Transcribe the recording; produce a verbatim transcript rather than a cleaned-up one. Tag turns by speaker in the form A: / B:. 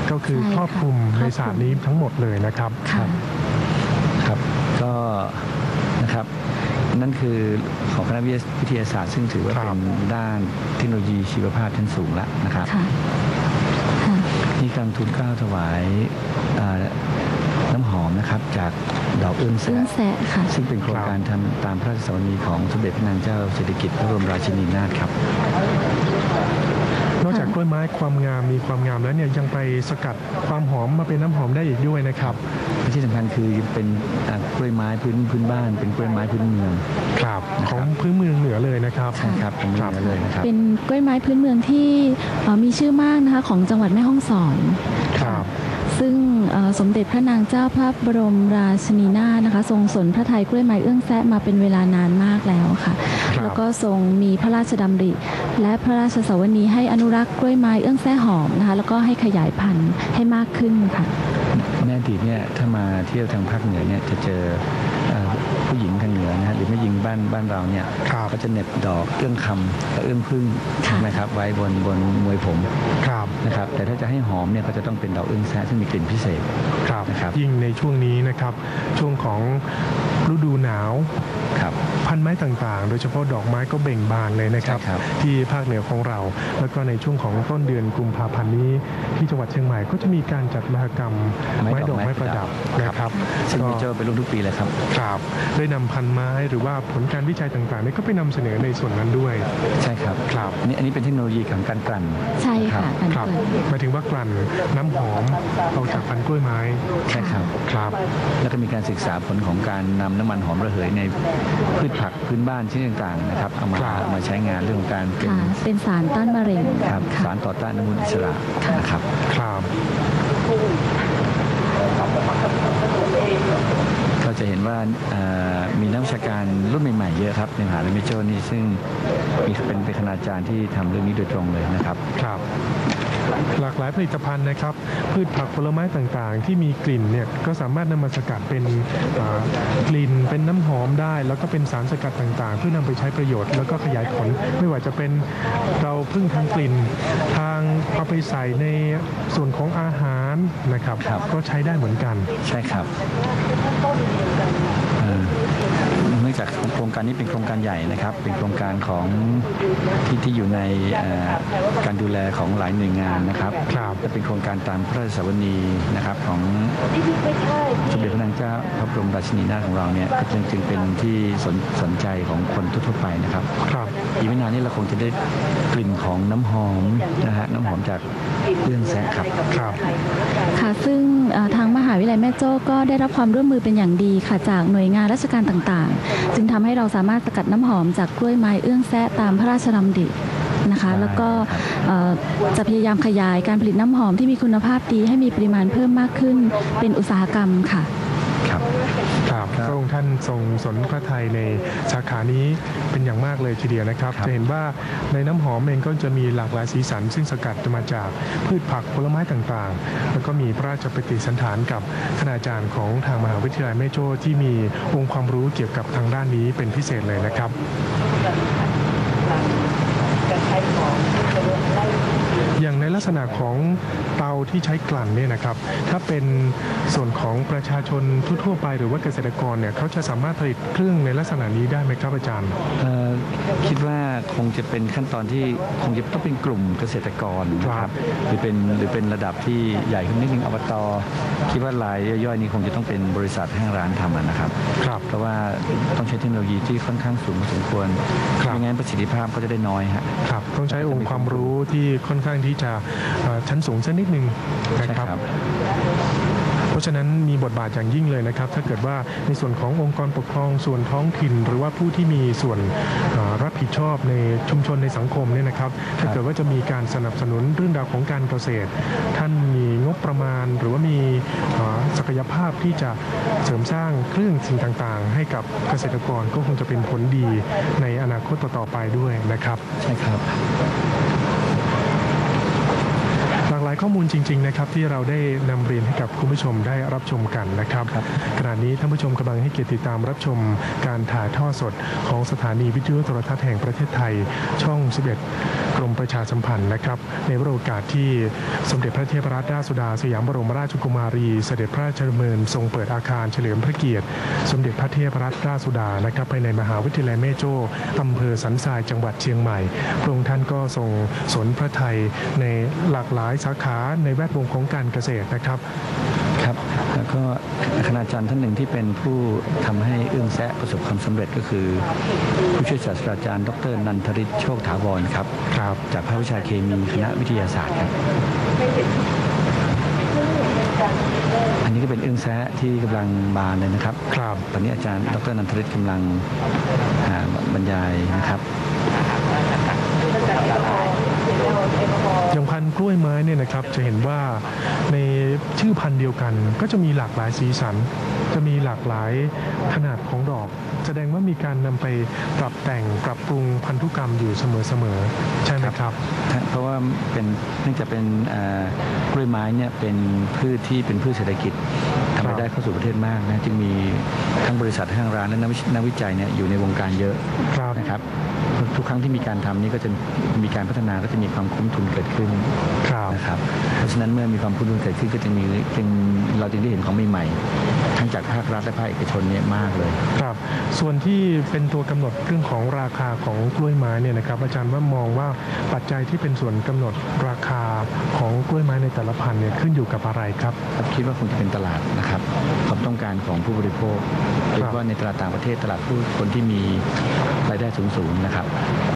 A: ก็คือครอบคลุมในศาสตร์นี้ทั้งหมดเลยนะครับ
B: ครับครับก็นะครับนั่นคือของคณะวิทยาศาสตร์ซึ่งถือว่าเป็นด้านเทคโนโลยีชีวภาพชั้นสูงแล้วนะครับนี่การทูลเกล้าถวายน้ำหอมนะครับจากดอกเอื้องแสะซึ่งเป็นโครงการทำตามพระราชสวนีของสมเด็จพระนางเจ้าสิริกิติ์พระบรมราชินีนาถครับ
A: นอกจากกล้วยไม้ความงามมีความงามแล้วเนี่ยยังไปสกัดความหอมมาเป็นน้ำหอมได้อีกด้วยนะครับ
B: ที่สำคัญคือเป็นกล้วยไม้พื้นพื้นบ้านเป็นกล้วยไม้พื้นเมือง
A: ครับของพื้นเมืองเหนือเลยนะครับ
B: ใช่ครับเป็นเหนือเลยนะครับ
C: เป็นกล้วยไม้พื้นเมืองที่มีชื่อมากนะคะของจังหวัดแม่ฮ่องสอน
A: ครับ
C: ซึ่งสมเด็จพระนางเจ้าพระบรมราชินีนาถนะคะทรงสนพระทัยกล้วยไม้เอื้องแซะมาเป็นเวลานานมากแล้วค่ะแล้วก็ทรงมีพระราชดำริและพระราชสวนีให้อนุรักษ์กล้วยไม้เอื้องแซะหอมนะคะแล้วก็ให้ขยายพันธุ์ให้มากขึ้นค่ะ
B: ในอดีตเนี่ยถ้ามาเที่ยวทางภาคเหนือเนี่ยจะเจอผู้หญิงทางเหนือนะหรือแม่หญิงบ้านบ้านเราเนี่ยก็จะเหน็บดอกเอื้องคำและเอื้องพึ่งนะครับไว้บนบนมวยผมนะครับแต่ถ้าจะให้หอมเนี่ยก็จะต้องเป็นดอกเอื้องแซะซึ่งมีกลิ่นพิเศษ
A: นะครับยิ่งในช่วงนี้นะครับช่วงของฤดูหนาวพันไม้ต่างๆโดยเฉพาะดอกไม้ก็เบ่งบานเลยนะครับที่ภาคเหนือของเราแล้วก็ในช่วงของต้นเดือนกุมภาพันธ์นี้ที่จังหวัดเชียงใหม่ก็จะมีการจัดมหกรรมไม้ดอกไม้ประดับนะครับ
B: ซึ่งจะเป็นรุ่นทุกปีเลยครับ
A: ครับได้นำพันไม้หรือว่าผลการวิจัยต่างๆนี่ก็ไปนำเสนอในส่วนนั้นด้วย
B: ใช่ครับ
A: ครับ
B: นี่อันนี้เป็นเทคโนโลยีของการกลั่น
C: ใช่ค่ะ
A: ครับหมายถึงว่ากลั่นน้ำหอมเอาจากพันกล้วยไม้
B: ใช่ครับ
A: ครับ
B: แล้วก็มีการศึกษาผลของการนำน้ำมันหอมระเหยในพืชผักพื้นบ้านชนิดต่างๆนะครับเอามามาใช้งานเรื่องของการ
C: เป็นเป็นสารต้านมะเร็ง
B: ครับสารต่อต้านอนุมูลอิสระนะครับ
A: ครับ
B: เราจะเห็นว่ามีนักวิชาการรุ่นใหม่ๆเยอะครับในมหาวิทยาลัยแม่โจ้นี่ซึ่งมีเป็นเป็นคณาจารย์ที่ทำเรื่องนี้โดยตรงเลยนะครับ
A: ครับหลากหลายผลิตภัณฑ์นะครับพืชผักผลไม้ต่างๆที่มีกลิ่นเนี่ยก็สามารถนำมาสกัดเป็นกลิ่นเป็นน้ำหอมได้แล้วก็เป็นสารสกัดต่างๆเพื่อนำไปใช้ประโยชน์แล้วก็ขยายผลไม่ว่าจะเป็นเราพึ่งทางกลิ่นทางเอาไปใส่ในส่วนของอาหารนะครับก็ใช้ได้เหมือนกัน
B: ใช่ครับเนื่องจากโครงการนี้เป็นโครงการใหญ่นะครับเป็นโครงการของที่ที่อยู่ในการดูแลของหลายหน่วยงานนะครับและเป็นโครงการตามพระราชสวนีนะครับของสมเด็จพระนางเจ้าพระบรมราชินีนาถของเราเนี่ยก็จึงจึงเป็นที่สนสนใจของคนทั่วไปนะครับอีกไม่นานนี้เราคงจะได้กลิ่นของน้ำหอมนะฮะน้ำหอมจากเอื้องแซะครับ
A: ครับ
C: ค่ะซึ่งทางมหาวิทยาลัยแม่โจ้ก็ได้รับความร่วมมือเป็นอย่างดีค่ะจากหน่วยงานราชการต่างๆจึงทำให้เราสามารถสกัดน้ำหอมจากกล้วยไม้เอื้องแซะตามพระราชดำรินะคะแล้วก็จะพยายามขยายการผลิตน้ำหอมที่มีคุณภาพดีให้มีปริมาณเพิ่มมากขึ้นเป็นอุตสาหกรรมค่ะ
A: ครับครับพระองค์ท่านทรงสนพระทัยในสาขานี้เป็นอย่างมากเลยทีเดียวนะครับจะเห็นว่าในน้ำหอมเองก็จะมีหลากหลายสีสันซึ่งสกัดมาจากพืชผักผลไม้ต่างๆแล้วก็มีพระราชปฏิสันถานกับคณาจารย์ของทางมหาวิทยาลัยแม่โจ้ที่มีองค์ความรู้เกี่ยวกับทางด้านนี้เป็นพิเศษเลยนะครับอย่างในลักษณะของเตาที่ใช้กลั่นเนี่ยนะครับถ้าเป็นส่วนของประชาชนทั่วไปหรือว่าเกษตรกรเนี่ยเขาจะสามารถผลิตเครื่องในลักษณะนี้ได้ไหมครับอาจารย์
B: คิดว่าคงจะเป็นขั้นตอนที่คงจะต้องเป็นกลุ่มเกษตรกรนะครับหรือเป็นหรือเป็นระดับที่ใหญ่ขึ้นนิดนึงอบต.คิดว่ารายย่อยๆนี้คงจะต้องเป็นบริษัทห้างร้านทำนะครับเพราะว่าต้องใช้เทคโนโลยีที่ค่อนข้างสูงพอสมควรไม่งั้นประสิทธิภาพก็จะได้น้อย
A: ครับต้องใช้องค์ความรู้ที่ค่อนข้างที่จะชั้นสูงสักนิดนึงนะครับเพราะฉะนั้นมีบทบาทอย่างยิ่งเลยนะครับถ้าเกิดว่าในส่วนขององค์กรปกครองส่วนท้องถิ่นหรือว่าผู้ที่มีส่วนรับผิดชอบในชุมชนในสังคมเนี่ยนะครับถ้าเกิดว่าจะมีการสนับสนุนเรื่องราวของการเกษตรท่านมีงบประมาณหรือว่ามีศักยภาพที่จะเสริมสร้างเครื่องสิ่งต่างๆให้กับเกษตรกรก็คงจะเป็นผลดีในอนาคตต่อๆไปด้วยนะครับ
B: ใช่ครับ
A: หลากหลายายข้อมูลจริงๆนะครับที่เราได้นำเรียนให้กับคุณผู้ชมได้รับชมกันนะครับขณะนี้ท่านผู้ชมกำลังให้เกียรติติดตามรับชมการถ่ายทอดสดของสถานีวิทยุโทรทัศน์แห่งประเทศไทยช่อง สิบเอ็ด กรมประชาสัมพันธ์นะครับในโอกาสที่สมเด็จพระเทพรัตนราชสุดาสยามบรมราชกุมารีเสด็จพระราชดำเนินทรงเปิดอาคารเฉลิมพระเกียรติสมเด็จพระเทพรัตนราชสุดานะครับภายในมหาวิทยาลัยแม่โจ้อำเภอสันทรายจังหวัดเชียงใหม่พระองค์ท่านก็ทรงสนพระทัยในหลากหลายสาขาในแวดวงของการเกษตรนะครับ
B: ครับแล้วก็คณาจารย์ท่านหนึ่งที่เป็นผู้ทำให้เอื้องแซะประสบความสำเร็จก็คือผู้ช่วยศาสตราจารย์ดรนันทฤทธิ์โชคถาวรครับ
A: ครับ
B: จากภาควิชาเคมีคณะวิทยาศาสตร์ครับอันนี้ก็เป็นเอื้องแซะที่กำลังบานเลยนะครับ
A: ครับ
B: ตอนนี้อาจารย์ดรนันทฤทธิ์กำลังบรรยายนะครับ
A: อย่างพันธุ์กล้วยไม้เนี่ยนะครับจะเห็นว่าในชื่อพันธุ์เดียวกันก็จะมีหลากหลายสีสันจะมีหลากหลายขนาดของดอกแสดงว่ามีการนำไปปรับแต่งปรับปรุงพันธุกรรมอยู่เสมอๆใช่ไหมครับ
B: เพราะว่าเป็นเนื่องจากเป็นกล้วยไม้เนี่ยเป็นพืชที่เป็นพืชเศรษฐกิจทำรายได้เข้าสู่ประเทศมากนะจึงมีทั้งบริษัททั้งร้านและนักวิจัยเนี่ยอยู่ในวงการเยอะนะครับทุกครั้งที่มีการทำนี่ก็จะมีการพัฒนาก็จะมีความคุ้มทุนเกิดขึ้นนะครับเพราะฉะนั้นเมื่อมีความคุ้มทุนเกิดขึ้นก็จะมีจึงเราจึงได้เห็นของใหม่ๆทั้งจากภาครัฐและภาคเอกชนเนี่ยมากเลย
A: ครับส่วนที่เป็นตัวกำหนดเรื่องของราคาของกล้วยไม้เนี่ยนะครับอาจารย์ว่ามองว่าปัจจัยที่เป็นส่วนกำหนดราคาของกล้วยไม้ในแต่ละพันธุ์เนี่ยขึ้นอยู่กับอะไรครับ
B: คิดว่าคงจะเป็นตลาดนะครับความต้องการของผู้บริโภคโดยเฉพาะในตลาดต่างประเทศตลาดผู้คนที่มีรายได้สูงๆนะครับ